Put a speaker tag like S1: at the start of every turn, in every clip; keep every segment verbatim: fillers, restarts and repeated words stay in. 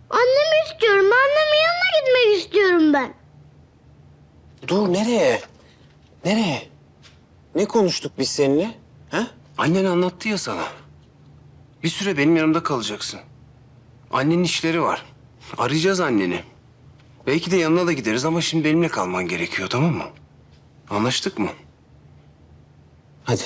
S1: Annemi istiyorum. Annemin yanına gitmek istiyorum ben.
S2: Dur, nereye? Nereye? Ne konuştuk biz seninle? Ha?
S3: Annen anlattı ya sana. Bir süre benim yanımda kalacaksın. Annenin işleri var. Arayacağız anneni. Belki de yanına da gideriz ama şimdi benimle kalman gerekiyor, tamam mı? Anlaştık mı?
S2: Hadi.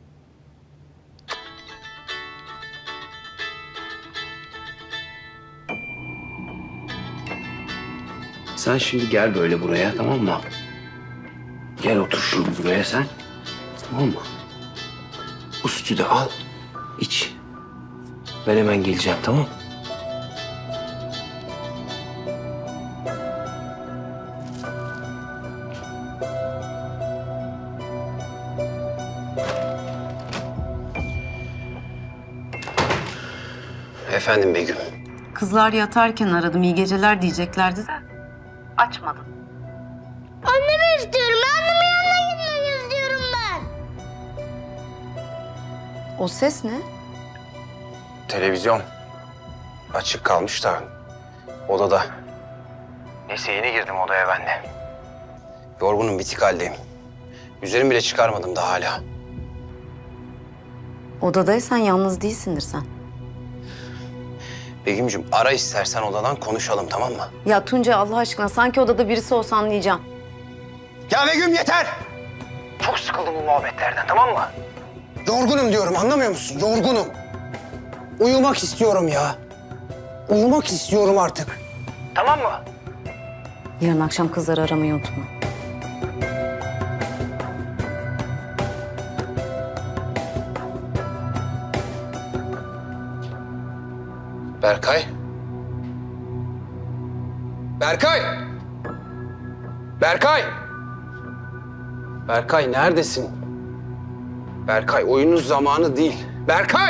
S3: Sen şimdi gel böyle buraya, tamam mı? Gel otur şimdi buraya sen. Tamam mı? Bu sütü de al, iç. Ben hemen geleceğim, tamam mı? Efendim Begüm.
S4: Kızlar yatarken aradım, iyi geceler diyeceklerdi de açmadım.
S1: Annemi istiyorum. Annemin yanına gitmek istiyorum ben.
S4: O ses ne?
S3: Televizyon. Açık kalmış da odada. Neyse yeni girdim odaya ben de. Yorgunum, bitik haldeyim. Üzerimi bile çıkarmadım da hala.
S4: Odadaysan yalnız değilsindir sen.
S3: Begüm'cüm ara istersen odadan konuşalım, tamam mı?
S4: Ya Tuncay Allah aşkına sanki odada birisi olsa anlayacağım.
S3: Ya Begüm yeter! Çok sıkıldım bu muhabbetlerden, tamam mı?
S2: Yorgunum diyorum, anlamıyor musun? Yorgunum. Uyumak istiyorum ya. Uyumak istiyorum artık.
S3: Tamam mı?
S4: Yarın akşam kızları aramayı unutma.
S3: Berkay? Berkay! Berkay! Berkay neredesin? Berkay oyunun zamanı değil. Berkay!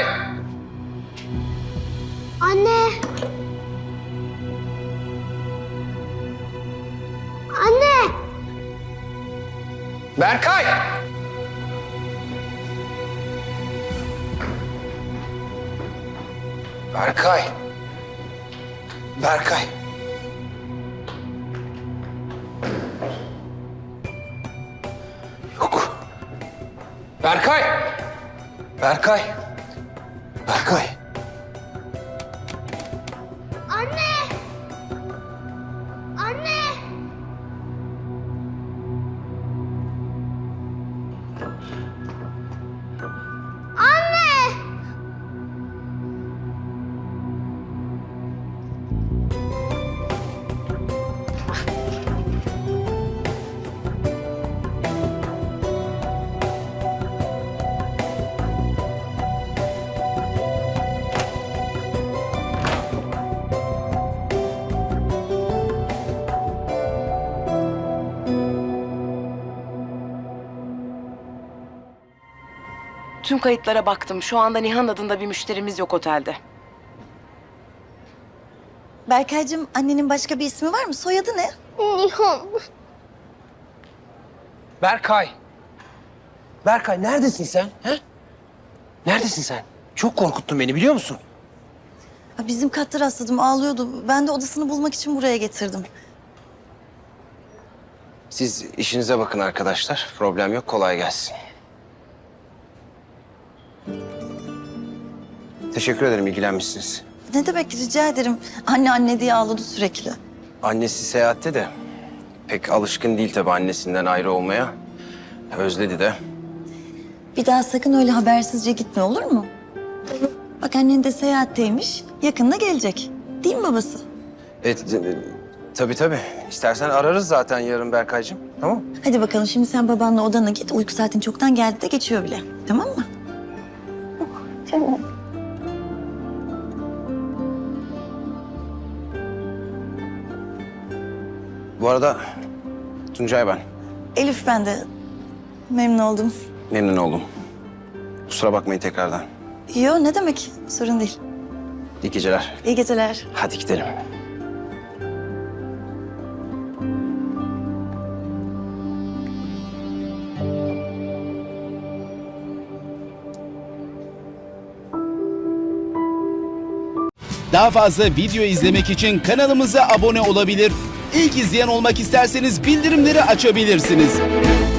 S1: Anne. Anne.
S3: Berkay! Berkay! Berkay! Yok. Berkay! Berkay! Berkay!
S1: Anne. Anne. Anne.
S5: Tüm kayıtlara baktım. Şu anda Nihan adında bir müşterimiz yok otelde.
S6: Berkaycığım, annenin başka bir ismi var mı? Soyadı ne?
S1: Nihan.
S2: Berkay. Berkay neredesin sen? He? Neredesin sen? Çok korkuttun beni, biliyor musun?
S6: Ha, bizim katta rastladım, ağlıyordu. Ben de odasını bulmak için buraya getirdim.
S3: Siz işinize bakın arkadaşlar. Problem yok, kolay gelsin. Teşekkür ederim, ilgilenmişsiniz.
S6: Ne demek, rica ederim. Anne anne diye ağladı sürekli.
S3: Annesi seyahatte de pek alışkın değil tabii annesinden ayrı olmaya. Özledi de.
S6: Bir daha sakın öyle habersizce gitme, olur mu? Bak annen de seyahatteymiş, yakında gelecek. Değil mi babası?
S3: Evet, e, tabii tabii. İstersen ararız zaten yarın Berkaycığım, tamam mı?
S6: Hadi bakalım, şimdi sen babanla odana git. Uyku saatin çoktan geldi de geçiyor bile. Tamam mı?
S3: Bu arada Tuncay ben.
S6: Elif, ben de memnun oldum.
S3: Memnun oldum. Kusura bakmayın tekrardan.
S6: Yo, ne demek? Sorun değil.
S3: İyi geceler.
S6: İyi geceler.
S3: Hadi gidelim.
S7: Daha fazla video izlemek için kanalımıza abone olabilir. İlk izleyen olmak isterseniz bildirimleri açabilirsiniz.